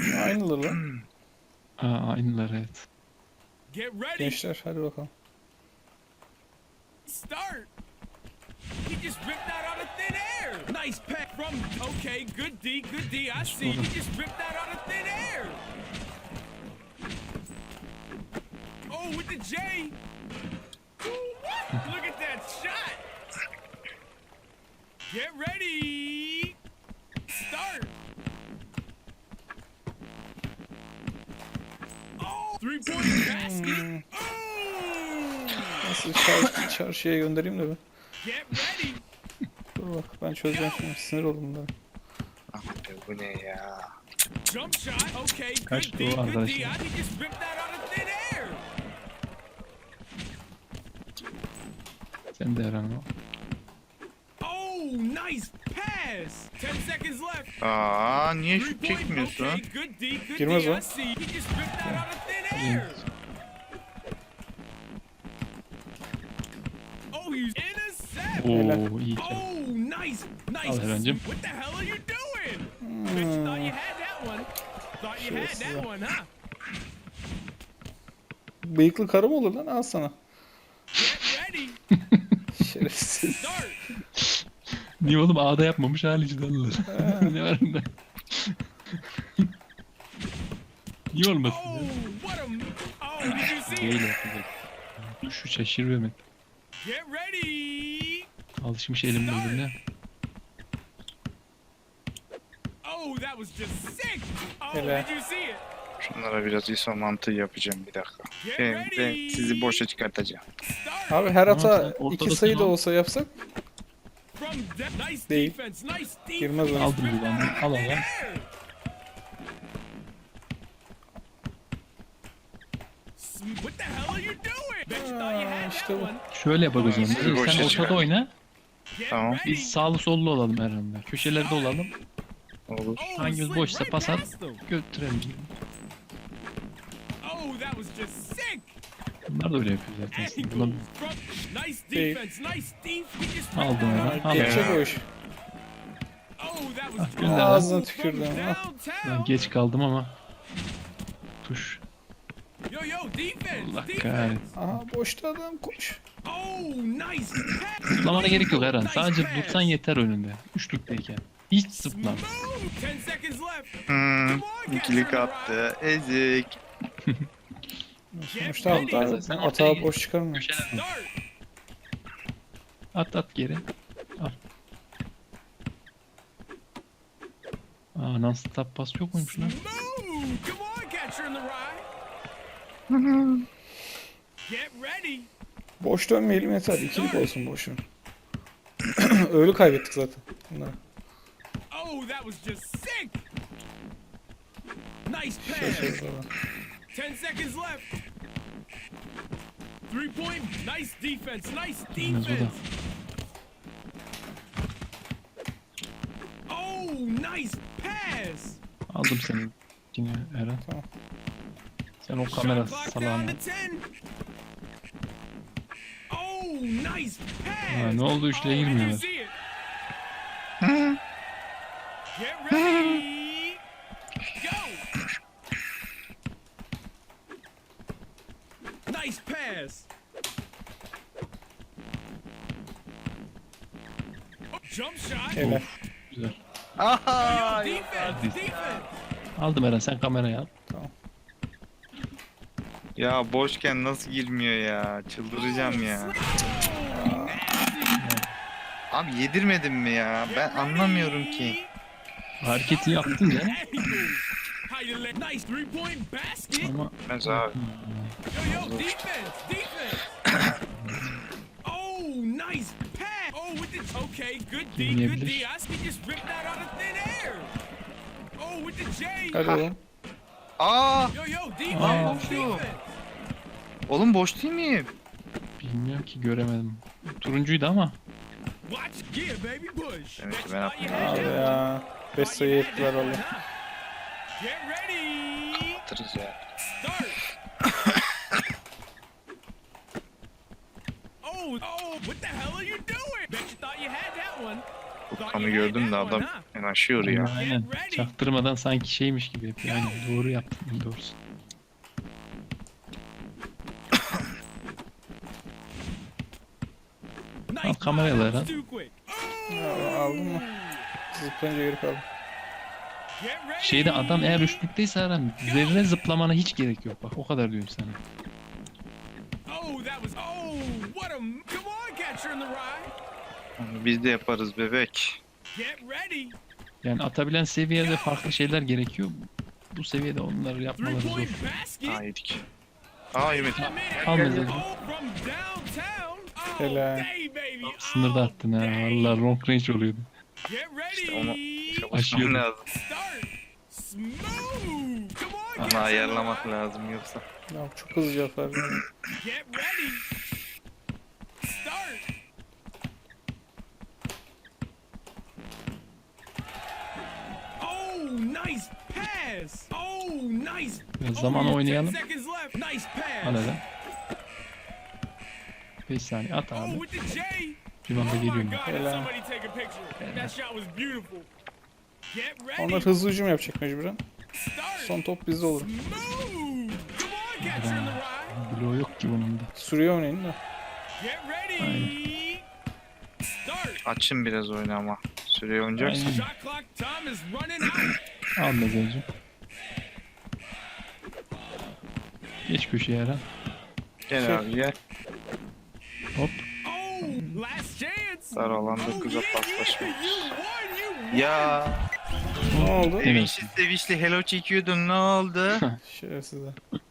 Aynıları lan. Aynılar evet. Get ready. Gençler hadi bakalım. Start. He just ripped that out of thin air. Nice pack from. Okay, good D, good D. I see. He just ripped that out of thin air. Oh, with the J. Ooh, what? Look at that shot. Get ready. Start. Oh, 3-point basket. Oh. Nasıl çarşıya göndereyim de ben. Get ready. Dur bak ben çözeceğim şimdi. Sinir oldum bunlara. Abi bu ne ya? Jump shot. Okay, Kaç good doğru D, good D. arkadaşlar. I think just ripped that out of thin air. Sen de Eren o. Oh, nice pass. 10 seconds left. Niye 3 şut point. çekmiyorsun? Okay, good D, good Girmez D. o. I see. He just ripped that out of thin air. Oh, you intercept. Oo iyi. Oh, nice, nice. Al Eren'cim. What the hell are you doing? Bet you thought you had that one. Thought you had that one, huh? Bıyıklı karı mı olur lan? Al sana. Get ready. Şerefsiz. Start. Niye oğlum A'da yapmamış halici dallar. Ne var bunda? Niye olmasın Oh, ya? what a. Oh, did you see Değil it? yapacak. Şu şaşırmamak. Get ready. Alışmış elim birbirine. Oh, that was just sick. Oh, Helal. did you see it? Şunlara biraz ISO mantığı yapacağım bir dakika. Get Ben ready. sizi boşa çıkartacağım. Start. Abi her hata sen ortada 2 sayı da tamam. olsa yapsak From nice Değil. defense, nice defense. Girmez o. Aldım bir tane. Al Thin al. air. What the hell are you doing? Bet you thought you had that işte bu. one. Şöyle yap o zaman. Sizi Sen boşa ortada çıkar. oyna. Get Tamam. ready. Biz sağlı sollu olalım Eren'le. Köşelerde olalım. Olur. Oh, Hangimiz slid boşsa right pas at. past them. Götürelim. Oh, that was just sick. Bunlar da öyle yapıyor zaten. Angles Bunlar from nice Değil. defense, nice defense. He just aldım ripped that Eren. out. Al geçecek Eren. o iş. Oh, that was gönder lan. Ağzına from tükürdüm. Ha. Ben downtown. geç kaldım ama. Tuş. Yo, defense, Allah defense. kahretsin. Aha boşta adam koş. Oh, nice pass. Zıplamana gerek yok Eren. Nice Sadece pass. dursan yeter önünde. Üçlükteyken. Hiç zıplam. Move. 10 seconds left. İkilik attı. Ezik. Sonuçta Sen hatta ortaya hata git. boş çıkarmıyor. Köşelerde. Start. At geri. Al. Non stop pas yok muymuş lan? Move. Come on, catcher in the rye. Get ready. Boş dönmeyelim yeter. İkilik olsun boşun. Öyle kaybettik zaten. Bunları. Oh, that was just sick. Nice Şey pass. şey falan. 10 seconds left. 3-point. Nice defense. Nice Bilmez o da. defense. Oh, nice pass. Aldım seni yine Eren. Tamam. Sen o kamera Shot clock salağını. down to 10. Oh, nice pass. Ne oldu üçlüye Oh, did you girmiyorlar. see it? Get ready. Go. Nice pass. Jump shot. Helal. Güzel. Aha! Yo, defense, defense. Aldım Eren sen kamerayı al. Ya boşken nasıl girmiyor ya? Çıldıracağım ya. Oh, Abi yedirmedin mi ya? Ben anlamıyorum ki. Hareketi yaptın ya. Nice 3-point basket. Ama Ben abi. Yo, defense, defense. Oh, nice pass. Oh, with the okay, good D, good D. Girmeyebilir. I see just ripped that out of thin air. Oh, with the J. Hadi oğlum. Aa! Yo, defense, şu. defense. Oğlum boş değil miyim? bilmiyorum ki göremedim. Turuncuydu ama. Watch, yeah, baby, push. Demek ki Bet ben you thought you yapmadım. had Abi that one. ya. 5 sayı ettiler valla. Get ready. Atırız ya. Start. Oh, what the hell are you doing? Bet you thought you had that one. Furkan'ı gördüm de adam yanaşıyor ya. Aynen. Çaktırmadan sanki şeymiş gibi yapıyor. Aynen. Doğru yaptın. Doğrusu. Al kameraları al. Ya, aldın mı? Zıplayınca geri kaldım. Şeyde adam eğer üçlükteyse Eren zerre zıplamana hiç gerek yok. Bak o kadar diyorum sana. Oh, that was. Oh, what a. Come on, catcher in the rye. Biz de yaparız bebek. Get ready. Yani atabilen seviyede farklı şeyler gerekiyor. Bu seviyede onları yapmaları zor. 3-point basket. Aa yedik. Aa yemedik. Al mesajı. Oh, from downtown. Oh, Helal. hey, baby. Sınırda Oh, attın ha. dang. Valla long range oluyordu. Get ready. Onu Aşıyor. çalışmam lazım. Start. Smooth. Come on, Onu catcher in the ayarlamak rye. lazım yoksa. Ya çok hızlı cevap verdim. Get ready. Start. Oh, nice pass. Oh, nice. Biraz zaman you have 10 oynayalım. seconds left. Nice pass. Al Eren. 5 saniye at Oh, abi. with the J. Bir anda Oh my geliyorum. God! Did Helal. somebody take a picture? That shot was beautiful. Get ready. Onlar hızlı hücum yapacak mecburen. Start. Son top bizde olur. Smooth. Come on, catcher in the rye. Bloğu yok ki bunun da. Sürüyor oynayın da. Get ready. Start. Açın biraz oyunu ama. Süreyi oynayacaksın. Aynen. Shot clock time is running out. Al mesajı. Geç köşeye Eren. Gel abi gel. Hop. Oh, last chance. Dar alanda Oh, kıza yeah, paslaşma. yeah, you won, you won. Ya Ne oldu? Evet. sevinçli hello çekiyordun ne oldu? Şerefsizler.